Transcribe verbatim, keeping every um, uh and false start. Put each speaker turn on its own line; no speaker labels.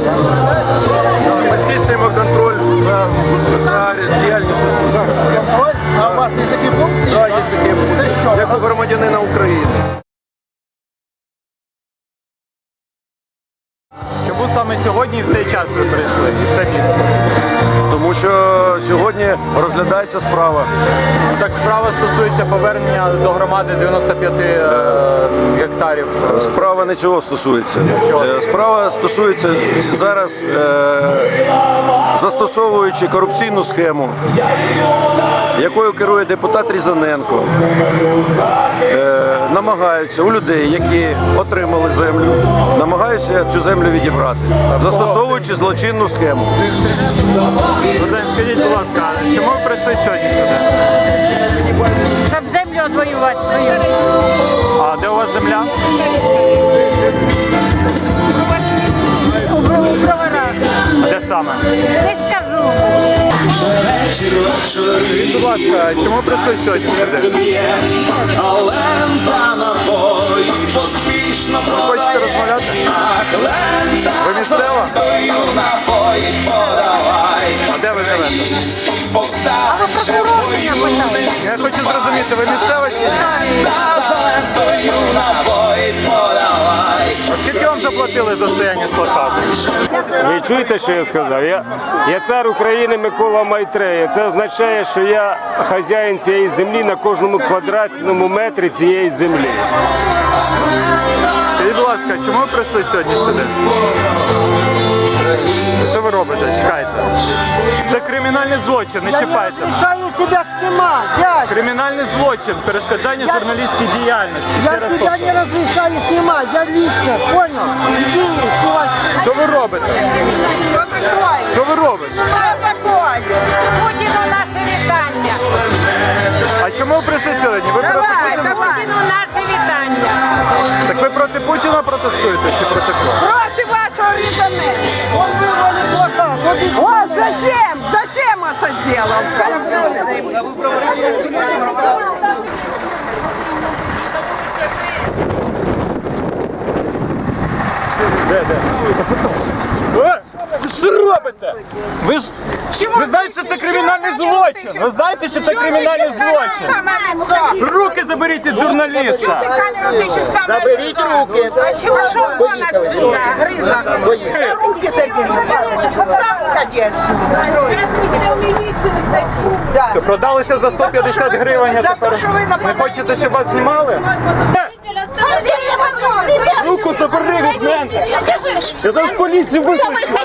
Ми здійснюємо контроль за, за діяльністю суду.
А у вас є такі функції?
Так, є такі функції,
Це що?
як у громадянина України.
Чому саме сьогодні і в цей час ви прийшли і в це місце?
Тому що сьогодні розглядається справа.
Так, справа стосується повернення до громади дев'яноста п'яти е, гектарів.
Справа не цього стосується. Е, Справа стосується зараз, е, застосовуючи корупційну схему, якою керує депутат Різаненко, е, намагаються у людей, які отримали землю, намагаються цю землю відібрати, застосовуючи злочинну схему.
Скажіть, будь ласка, чому ви прийшли сьогодні сюди?
Щоб землю відвоювати свою.
А де у вас земля?
У броварах.
А де саме?
Не скажу.
Скажіть, будь ласка, чому прийшли сьогодні сюди? Хочете розмовляти? Ви місцева? А де ви живете?
А ви прокурор мене питаєте?
Я хочу зрозуміти, ви місцева чи ні? А скільки вам заплатили за стояння з плакатом?
Ви чуєте, що я сказав? Я, я цар України Микола Майтрея. Це означає, що я хазяїн цієї землі на кожному квадратному метрі цієї землі.
Скажіть, будь ласка, чому ви прийшли сьогодні сюди? Що ви робите? Чекайте. Це кримінальний злочин, не чіпайте.
Я не разрешаю себя снимать, дядя.
Кримінальний злочин, перешкоджання журналістській діяльності. Ще
Я
раз
тебя
повторюю.
не разрешаю снимать, я лично, понял? Иди снимать.
Що ви робите?
Що таке?
Що ви робите?
Що таке? Путіну наше вітання.
А чому ви прийшли сьогодні? Ви проти Путіна?
Путіну наше вітання.
Так ви проти Путіна протестуєте чи проти кого?
Проти вашого Різаненка.
Он вырвали плакат. Вот и
Вот зачем? Зачем это сделал?
Ви що робите? Ви ж ви знаєте, що це кримінальний злочин. Ви знаєте, що це кримінальний злочин. Руки заберіть від журналіста.
Заберите руки.
Пошел вон отсюда, грызок. Руки забери. Сам уходи отсюда. Я в милицию сдачу. Да.
Продалися за сто п'ятдесят гривень, а
За
тепер
то, що ви
не
нападаєте.
хочете, щоб вас знімали? Руку забери від мене. Я зараз поліцію викличу.